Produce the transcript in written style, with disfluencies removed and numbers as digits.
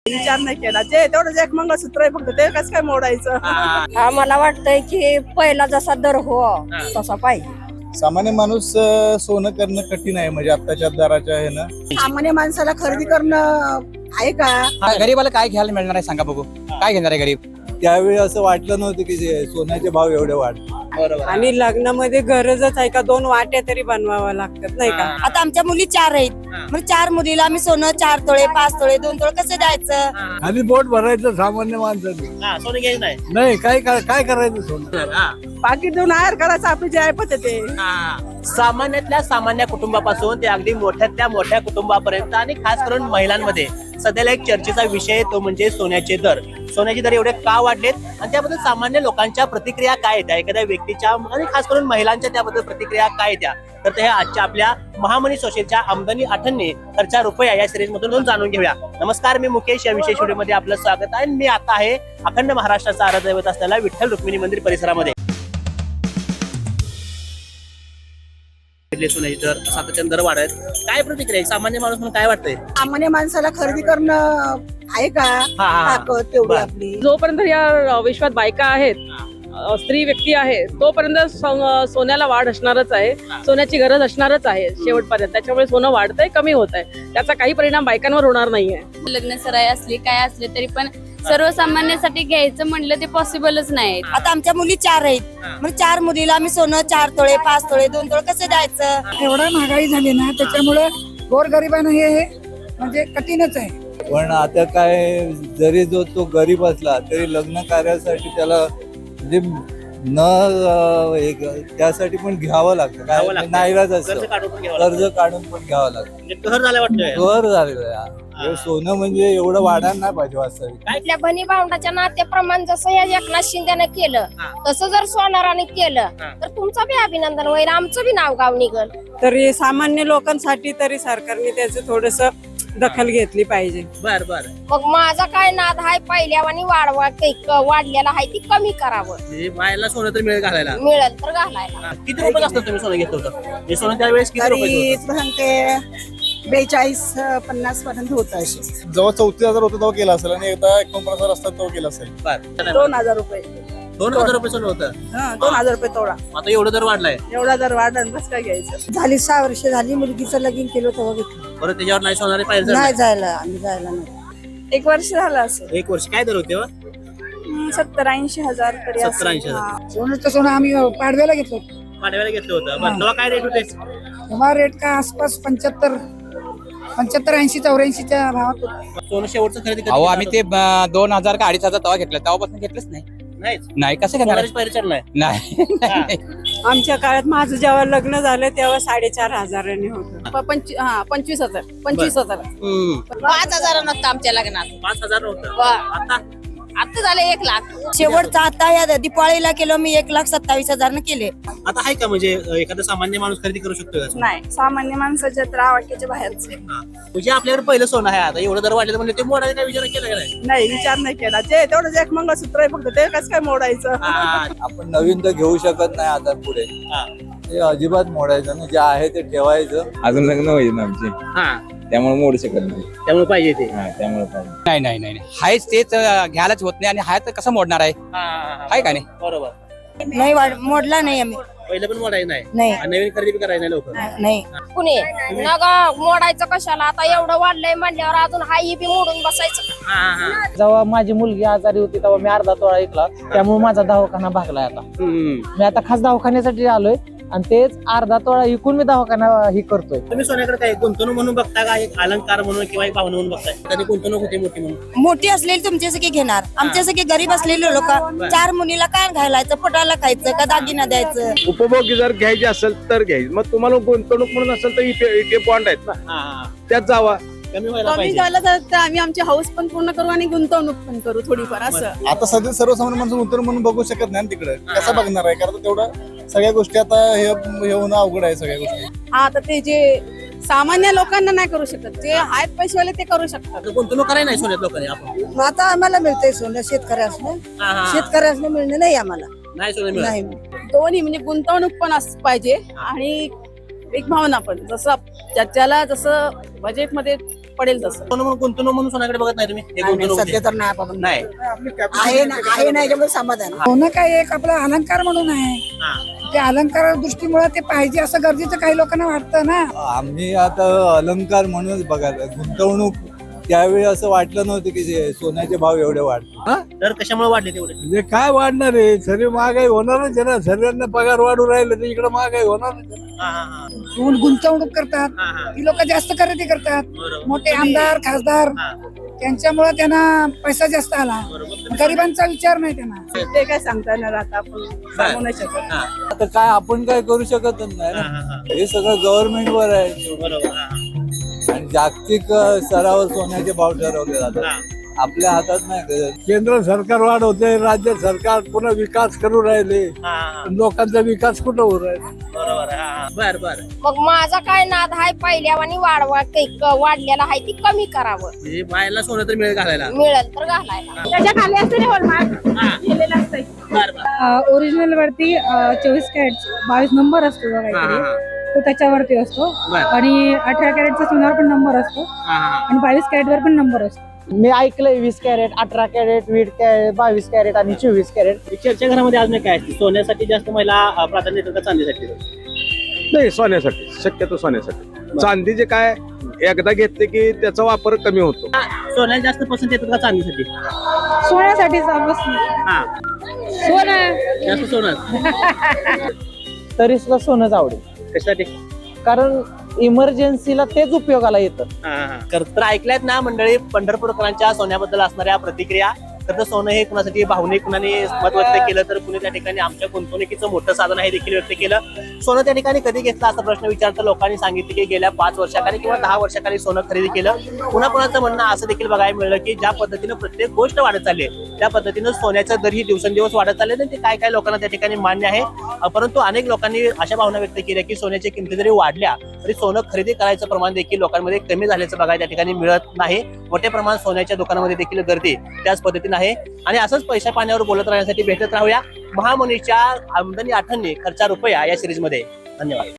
विचार नाही केला. जे तेवढं एक मंगळसूत्र आहे फक्त, ते कसं काय मोडायचं. हा मला वाटतंय की पहिला जसा दर हो तसा पाहिजे. सामान्य माणूस सोनं करणं कठीण आहे, म्हणजे आत्ताच्या दराच्या आहे ना. सामान्य माणसाला खरेदी करणं आहे का? गरीबाला काय घ्यायला मिळणार आहे सांगा बघू, काय घेणार आहे गरीब? त्यावेळी असं वाटलं नव्हतं की सोन्याचे भाव एवढे वाढले. आणि लग्नामध्ये गरजच आहे का 2 वाट्या तरी बनवाव्या लागतात नाही का. आता आमच्या मुली 4 आहेत, मग 4 मुलीला आम्ही सोनं 4 तोळे 5 तोळे 2 तोळे कसं द्यायचं? आणि बोट भरायचं सामान्य माणसाने सोनं घ्यायचं नाही. नाही. काय करायचं सोनं? पाकिट देऊन आयर करायचं आपली जे ऐपत आहे ते. सामान्यातल्या सामान्य कुटुंबापासून ते अगदी मोठ्यातल्या मोठ्या कुटुंबापर्यंत आणि खास करून महिलांमध्ये सध्याला एक चर्चेचा विषय तो म्हणजे सोन्याचे दर. सोन्याचे दर एवढे का वाढलेत आणि त्याबद्दल सामान्य लोकांच्या प्रतिक्रिया काय येत्या, एखाद्या व्यक्तीच्या आणि खास करून महिलांच्या त्याबद्दल प्रतिक्रिया काय येत्या, तर ते आजच्या आपल्या महामनी सोशलच्या आमदनी आठवणे खर्चा रुपया या सिरीज मधून जाणून घेऊया. नमस्कार, मी मुकेश. या विशेष व्हिडिओमध्ये आपलं स्वागत आहे. मी आता आहे अखंड महाराष्ट्राचा आराध्यदैवत असलेल्या विठ्ठल रुक्मिणी मंदिर परिसरामध्ये. सोन्याचे दर सातत्याने दर वाढत, काय प्रतिक्रिया आहे? सामान्य माणूस म्हणून काय वाटतंय? सामान्य माणसाला खरेदी करणं आहे का ताकद तेवढी आपली? जोपर्यंत या विश्वात बायका आहेत, स्त्री व्यक्ती आहे, तोपर्यंत सोन्याला वाढ असणारच आहे, सोन्याची गरज असणारच आहे शेवटपर्यंत. त्याच्यामुळे सोनं वाढतंय, कमी होत आहे, त्याचा काही परिणाम बायकांवर होणार नाहीये. लग्न सराई असली काय असले तरी पण सर्वसामान्यासाठी घ्यायचं म्हणलं ते पॉसिबलच नाही. आता आमच्या मुली 4 आहेत, मग 4 मुलीला आम्ही सोनं 4 तोळे 5 तोळे 2 तोळे कसं द्यायचं? एवढं महागाई झाली ना, त्याच्यामुळे गोरगरिबांना हे म्हणजे कठीणच आहे. पण आता काय, जरी जो तो गरीब असला तरी लग्न कार्यासाठी त्याला म्हणजे त्यासाठी पण घ्यावं लागतं. काय नाईलाज असतं, कर्ज काढून पण घ्यावं लागतं. घर झालं वाटतंय. घर झालेलं आहे. सोनं म्हणजे एवढं वाढायला नाही पाहिजे वास्तविक. आपल्या बनी भावंडाच्या नात्याप्रमाणे जसं या एकनाथ शिंदेने केलं तसं जर सोनाराने केलं तर तुमचं बी अभिनंदन होईल, आमचं बी नाव गाव निघल. तरी सामान्य लोकांसाठी तरी सरकारने त्याचं थोडस दखल घेतली पाहिजे. बर बर. मग माझा काय नाद हाय, पहिल्यावानी वाढलेला आहे ती कमी करावं. बायला सोनं तर मिळेल घालायला, मिळेल तर घालायला. किती रुपये असतात तुम्ही सोनं घेतलं होतं? हे सोनं त्यावेळेस किती रुपये तरी सांगते 42-50 पर्यंत होत असे. जेव्हा 34,000 होतं तेव्हा केला असेल, आणि एकदा 49,000 असतात तेव्हा केला असेल. 2,000 रुपये. 2,000 रुपये सोनं होतं. 2,000 रुपये तोडा. आता एवढं दर वाढलाय. एवढा जर वाढला बस काय घ्यायचं. झाली 6 वर्ष झाली, मुलगीचं लगीन केलं तेव्हा घेतलं. परत त्याच्यावर नाही सोनारे पाहिजे. नाही जायला, आम्ही जायला नाही. 1 वर्ष झालं असं. 1 वर्ष काय दर होते? 70-80 हजार तरी 70-80 सोनं सोनं आम्ही पाडव्याला घेतलो. पाडव्याला घेतलं होतं. बरं, तेव्हा काय रेट होते? तेव्हा रेट का आसपास 75-80-84च्या भावात होता. सोनं शेवटचं खरेदी कधी अहो केलं आम्ही ते 2,000 का 2,500 तेव्हा घेतलं, तेव्हापासून घेतलंच नाही. नाहीच. नाही, कसं घेणार? सोनारीच पाहिजे नाही. नाही. आमच्या काळात माझं जेव्हा लग्न झालं तेव्हा 4,500 होतं. 25,000. 25,000. 5,000 नसतं आमच्या लग्नात. 5,000 होतं. आता झाले 1 लाख. शेवटचा आता या दिपाळीला केलं मी 1,27,000 केले. आता आहे का म्हणजे एखादा सामान्य माणूस खरेदी करू शकतो का? नाही, सामान्य माणसाच्या तर आवाक्याच्या बाहेरचे. म्हणजे आपल्याकडे पहिलं सोनं आहे, आता एवढं दर वाढलं म्हणजे ते मोडायला काय विचार केला का नाही? नाही, विचार नाही केला. जे तेवढं एक मंगळसूत्र आहे फक्त, ते कसं काय मोडायचं. आपण नवीन तर घेऊ शकत नाही आता पुढे. ते अजिबात मोडायचं नाही, जे आहे ते ठेवायचं. अजून लग्न होईल ना आमचे, त्यामुळे मोडू शकत नाही. त्यामुळे पाहिजे ते. त्यामुळे पाहिजे. नाही नाही नाही नाही. हायच तेच घ्यायलाच होत नाही, आणि हाय तर कसं मोडणार आहे? हाय का नाही? बरोबर. नाही मोडला नाही आम्ही. पहिलं पण मोडायचं नाही नाही. आणि नवीन खरेदी करायचं नाही लोक. नाही. कुणी नग मोडायचं कशाला, आता एवढं वाढलंय म्हणल्यावर अजून हाही बी मोडून बसायचं. जेव्हा माझी मुलगी आजारी होती तेव्हा मी अर्धा तोळा ऐकला, त्यामुळे माझा दवाखाना भागलाय. आता मी आता खास दवाखान्यासाठी आलोय आणि तेच अर्धा तोळा विकून मी दवाखाना ही करतोय. तुम्ही सोन्याकडे काय गुंतवणूक म्हणून बघता का, एक अलंकार म्हणून किंवा एक भावना म्हणून बघताय? त्याने गुंतवणूक होते मोठी म्हणून. मोठी असलेली तुमच्यासारखी घेणार, आमच्यासारखी गरीब असलेले लोक 4 मुलीला काय घालायचं, पोटाला खायचं का दागिना द्यायचं? उपभोग जर घ्यायची असेल तर घ्यायची. मग तुम्हाला गुंतवणूक म्हणून असेल तर इथे बॉन्ड आहेत ना, त्यात जावा. कमी व्हायला कमी पाहिजे. झालं तर आम्ही आमची हाऊस पण पूर्ण करू आणि गुंतवणूक पण करू थोडीफार असं. आता सध्या सर्वसामान्य माणसं गुंतवणूक म्हणून बघू शकत नाही तिकडे. कसं बघणार आहे? कारण तेवढं सगळ्या गोष्टी आता हे होणं अवघड आहे. सगळ्या गोष्टी हा, तर ते जे सामान्य लोकांना नाही करू शकत, जे आहेत पैसेवाले ते करू शकतात. आता गुंतवणूक करायला नाही सोन्यात लोकांनी. आपण आता आम्हाला मिळतंय सोनं, शेतकऱ्यासनं. शेतकऱ्यासनं मिळणं नाही आम्हाला. नाही सोनं मिळत. नाही. दोन्ही म्हणजे गुंतवणूक पण पाहिजे आणि एक भावना पण जसं ज्याला जसं बजेटमध्ये पडेल तसं. सोनं म्हणून गुंतवणूक म्हणून सोन्याकडे बघत नाही तुम्ही हे गुंतवणूक सध्या म्हणजे? तर नाही आपण नाही आहे ना याच्यामध्ये समाधान. सोनं काय एक आपला अलंकार म्हणून आहे. हा. ते अलंकार दृष्टीमुळे ते पाहिजे असं गरजेचं काही लोकांना वाटतं ना. आम्ही आता अलंकार म्हणूनच बघायला गुंतवणूक त्यावेळी असं वाटलं नव्हतं की सोन्याचे भाव एवढे वाढतील. तर कशामुळे वाढले तेवढे? म्हणजे काय वाढणार आहे, सर्व महागाई होणारच आहे ना. सर्वांना पगार वाढू राहिले तर इकडे महागाई होणारच आहे. हा, हा, हा. गुंतवणूक करतात, हा, हा. ती लोक जास्त खरेदी करतात. बरोबर. मोठे आमदार खासदार हा. त्यांच्यामुळे त्यांना पैसा जास्त आला. बरोबर. गरिबांचा विचार नाही त्यांना. ते काय सांगता येणार आता आपण सांगू नाही शकत. हा. आता काय आपण काय करू शकतच नाही हा, ना. हा, हा. हे सगळं गव्हर्नमेंटवर आहे बरोबर. हा, आणि जागतिक स्तरावर सोन्याचे भाव ठरवले जातात. हा. आपल्या हातात नाही. केंद्र सरकार वाढवते, राज्य सरकार पुन्हा विकास करू राहिले. हा, हा. लोकांचा विकास कुठं होऊ राहिला. बरोबर. हा, हा. बर बर. मग माझा काय नाद आहे पहिल्यावानी वाढलेला आहे ती कमी करावं. म्हणजे बायला सोनं तर मिळेल घालायला. मिळेल तर घालायला. त्याच्या खाली असते ना हॉलमार्क हा. लिहिलेलं असतंय. बर बर. ओरिजिनल वरती 24 कॅरेट 22 नंबर असतो हा, काहीतरी, हा, तो त्याच्यावरती असतो. बर. आणि 18 कॅरेटचा सोन्यावर पण नंबर असतो हा, हा, हा. आणि 22 कॅरेटवर पण नंबर असतो. मी ऐकलंय 20 कॅरेट 18 कॅरेट 20 कॅरेट 22 कॅरेट आणि 24 कॅरेट. चर्चा घरामध्ये अजून काय असते? सोन्यासाठी जास्त महिला प्राधान्य देतात का चांदीसाठी? नाही, सोन्यासाठी, शक्यतो सोन्यासाठी. चांदीचे काय एकदा घेतले की त्याचा वापर कमी होतो. सोन्याला जास्त पसंत येतात का चांदीसाठी? सोन्यासाठी हा. सोनं जास्त सोनं. तरी सुद्धा सोनंच आवडेल, कशासाठी? कारण इमर्जन्सीला तेच उपयोगाला येतं. तर ऐकल्यात ना मंडळी पंढरपूरकरांच्या सोन्याबद्दल असणाऱ्या प्रतिक्रिया. तर सोनं हे कुणासाठी भावनिक कुणाने मत व्यक्त केलं तर कुणी त्या ठिकाणी आमच्या गुंतवणुकीचं मोठं साधन आहे देखील व्यक्त केलं. सोनं त्या ठिकाणी कधी घेतलं असा प्रश्न विचारता लोकांनी सांगितलं की गेल्या 5 वर्षाखाली किंवा 10 वर्षाखाली सोनं खरेदी केलं. पुन्हा कुणाचं म्हणणं असं देखील बघायला मिळलं की ज्या पद्धतीनं प्रत्येक गोष्ट वाढत चालली आहे त्या पद्धतीनं सोन्याचा दर ही दिवसेंदिवस वाढत चालले आणि ते काय काय लोकांना त्या ठिकाणी मान्य आहे. परंतु अनेक लोकांनी अशा भावना व्यक्त केल्या की सोन्याच्या किमती जरी वाढल्या तरी सोनं खरेदी करायचं प्रमाण देखील लोकांमध्ये कमी झाल्याचं बघायला त्या ठिकाणी मिळत नाही. मोठ्या प्रमाणात सोन्याच्या दुकानामध्ये देखील गर्दी त्याच पद्धतीने आहे. आणि असंच पैशा पाण्यावर बोलत राहण्यासाठी भेटत राहूया महामनीच्या आमदनी आठवणी खर्चा रुपया या सिरीजमध्ये. धन्यवाद.